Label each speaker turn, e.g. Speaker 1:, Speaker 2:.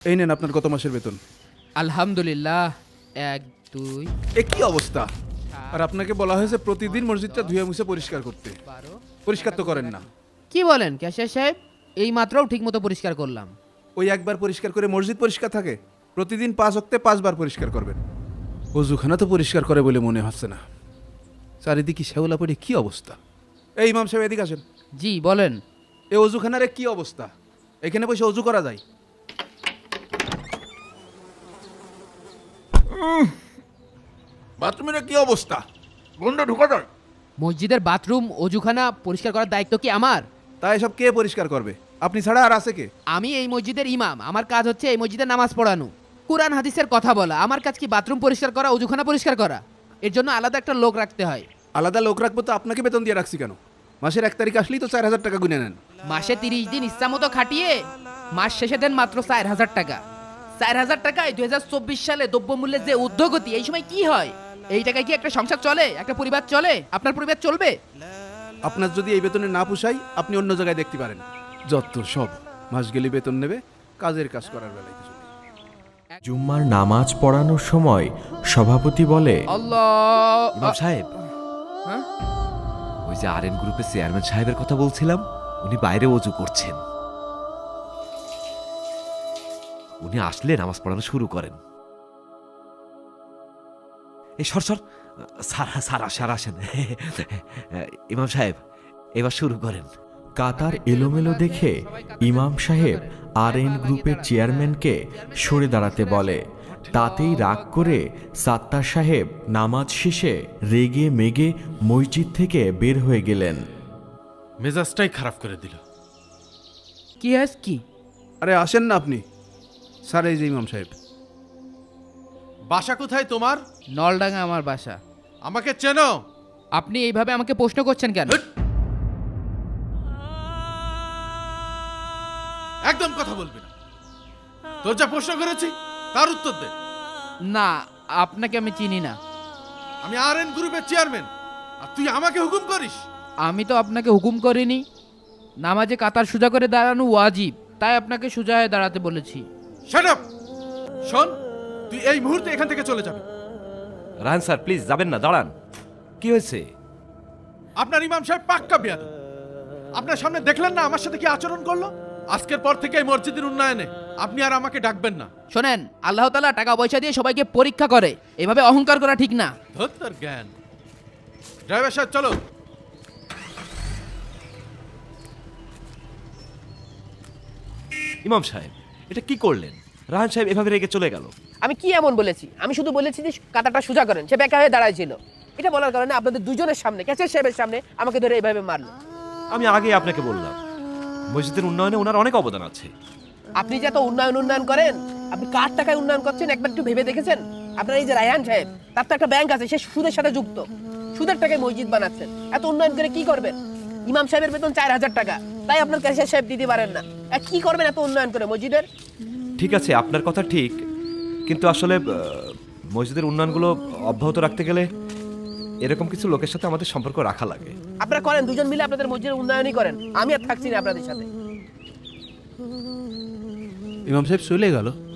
Speaker 1: এই নেন আপনার গত মাসের বেতন।
Speaker 2: আলহামদুলিল্লাহ। 1 2
Speaker 1: এ কি অবস্থা? আর আপনাকে বলা হয়েছে প্রতিদিন মসজিদটা ধুয়ে মুছে পরিষ্কার করতে।
Speaker 2: 12।
Speaker 1: পরিষ্কার তো করেন না।
Speaker 2: কি বলেন ক্যাশিয়ার সাহেব? এই মাত্রও ঠিকমতো পরিষ্কার করলাম।
Speaker 1: ওই একবার পরিষ্কার করে মসজিদ পরিষ্কার থাকে? প্রতিদিন 5 ওয়াক্তে 5 বার পরিষ্কার করবেন। ওযুখানা তো পরিষ্কার করে বলে মনে হচ্ছে না। চারিদিকে শ্যাওলা পড়ে কি অবস্থা। এই ইমাম সাহেব এদিকে আসেন।
Speaker 2: জি বলেন।
Speaker 1: এই ওযুখানার কি অবস্থা? এখানে বসে ওযু করা যায়? বাথরুমের কি অবস্থা? গন্ধ ঢোকা যায়।
Speaker 2: মসজিদের বাথরুম অজুখানা পরিষ্কার করার দায়িত্ব কি আমার?
Speaker 1: তাই এসব কে পরিষ্কার করবে? আপনি ছাড়া আর আছে কে?
Speaker 2: আমি এই মসজিদের ইমাম। আমার কাজ হচ্ছে এই মসজিদে নামাজ পড়ানো, কুরআন হাদিসের কথা বলা। আমার কাজ কি বাথরুম পরিষ্কার করা, অজুখানা পরিষ্কার করা? এর জন্য আলাদা একটা লোক রাখতে হয়।
Speaker 1: আলাদা লোক রাখবো তো আপনাকে বেতন দিয়ে রাখছি কেন? মাসের 1 তারিখ আসলেই তো 4000 টাকা গুনে নেন।
Speaker 2: মাসে 30 দিন ইচ্ছামতো খাটিয়ে মাস শেষে দেন মাত্র 4000 টাকা। 4000 টাকায় 2024 সালে দ্রব্যমূল্যের যে ঊর্ধ্বগতি, এই সময় কি হয়? এই টাকায় কি একটা সংসার চলে? একটা পরিবার চলে? আপনার পরিবার চলবে?
Speaker 1: আপনার যদি এই বেতনে না পোষায় আপনি অন্য জায়গায় দেখতে পারেন। যত সব মাস গেলে বেতন নেবে, কাজের কাজ করার বেলায় কিছু নেই।
Speaker 3: জুম্মার নামাজ পড়ানোর সময় সভাপতি বলে,
Speaker 2: আল্লাহ।
Speaker 4: ইমাম সাহেব,
Speaker 2: হ্যাঁ?
Speaker 4: ওই যে আরএন গ্রুপের চেয়ারম্যান সাহেবের কথা বলছিলাম, উনি বাইরে ওযু করছেন। উনি আসলে নামাজ পড়ানো শুরু করেন। এই সর সর, স্যার আসেন। ইমাম সাহেব, এবার শুরু করেন।
Speaker 3: কাতার এলোমেলো দেখে ইমাম সাহেব আরএন গ্রুপের চেয়ারম্যানকে সরে দাঁড়াতে বলে। তাতেই রাগ করে সাত্তার সাহেব নামাজ শেষে রেগে মেগে মসজিদ থেকে বের হয়ে গেলেন।
Speaker 5: মেজাজটাই খারাপ করে দিল।
Speaker 2: কি হাস কি?
Speaker 1: আরে আসেন না আপনি। স্যার এই যে ইমাম সাহেব।
Speaker 5: বাসা কোথায় তোমার?
Speaker 2: নলডাঙ্গা আমার বাসা।
Speaker 5: আমাকে চেনো?
Speaker 2: আপনি এইভাবে আমাকে প্রশ্ন করছেন কেন?
Speaker 5: একদম কথা বলবি না। তোর যা প্রশ্ন করেছি তার উত্তর দে।
Speaker 2: না, আপনাকে আমি চিনি না।
Speaker 5: আমি আরএন গ্রুপের চেয়ারম্যান, আর তুই আমাকে হুকুম করিস?
Speaker 2: আমি তো আপনাকে হুকুম করিনি। নামাজে কাতার সোজা করে দাঁড়ানো ওয়াজিব, তাই আপনাকে সোজা হয়ে দাঁড়াতে বলেছি।
Speaker 5: Shut up! শোন, তুই এই মুহূর্তে এখান থেকে চলে যাবি।
Speaker 4: রায়হান স্যার প্লিজ যাবেন না, দাঁড়ান। কি হয়েছে?
Speaker 5: আপনার ইমাম সাহেব পাক্কা বিয়াদব। আপনার সামনে দেখলেন না আমার সাথে কি আচরণ করলো? আজকের পর থেকে এই মসজিদের উন্নয়নে আপনি আর আমাকে ডাকবেন না।
Speaker 2: শোনেন, আল্লাহ তাআলা টাকা পয়সা দিয়ে সবাইকে পরীক্ষা করে, এভাবে অহংকার করা ঠিক না।
Speaker 5: ধুর তোর জ্ঞান। ড্রাইভার সাহেব চলো।
Speaker 4: ইমাম সাহেব, এটা কি করলেন? রায়হান সাহেব এভাবে রেগে চলে গেল।
Speaker 6: আমি কি এমন বলেছি? আমি শুধু বলেছি যে কাতারটা সোজা করেন। সে বেকা হয়ে দাঁড়ায় ছিল। এটা বলার কারণে আপনাদের দুজনের সামনে, ক্যাশের সাহেবের সামনে আমাকে ধরে এইভাবে মারলো।
Speaker 4: আমি আগে আপনাকে বললাম, মসজিদের উন্নয়নে ওনার অনেক অবদান আছে।
Speaker 6: আপনি যে এত উন্নয়ন করেন, আপনি কার টাকায় উন্নয়ন করছেন একবার একটু ভেবে দেখেছেন? আপনার এই যে রায়হান সাহেব, তার তো একটা ব্যাংক আছে, সে সুদের সাথে যুক্ত। সুদের টাকায় মসজিদ বানাচ্ছেন। এত উন্নয়ন করে কি করবেন? ইমাম সাহেবের বেতন 4000 টাকা, তাই আপনার ক্যাশের সাহেব দিতে পারেন না। আর কি করবেন এত উন্নয়ন করে মসজিদের?
Speaker 4: ঠিক আছে, আপনার কথা ঠিক, কিন্তু আসলে মসজিদের উন্নয়নগুলো অব্যাহত রাখতে গেলে এরকম কিছু লোকের সাথে আমাদের সম্পর্ক রাখা লাগে।
Speaker 6: আপনারা করেন, দুজন মিলে আপনাদের মসজিদের উন্নয়নই করেন। আমি আর থাকছি না আপনাদের সাথে।
Speaker 1: ইমাম সাহেব চলে গেল।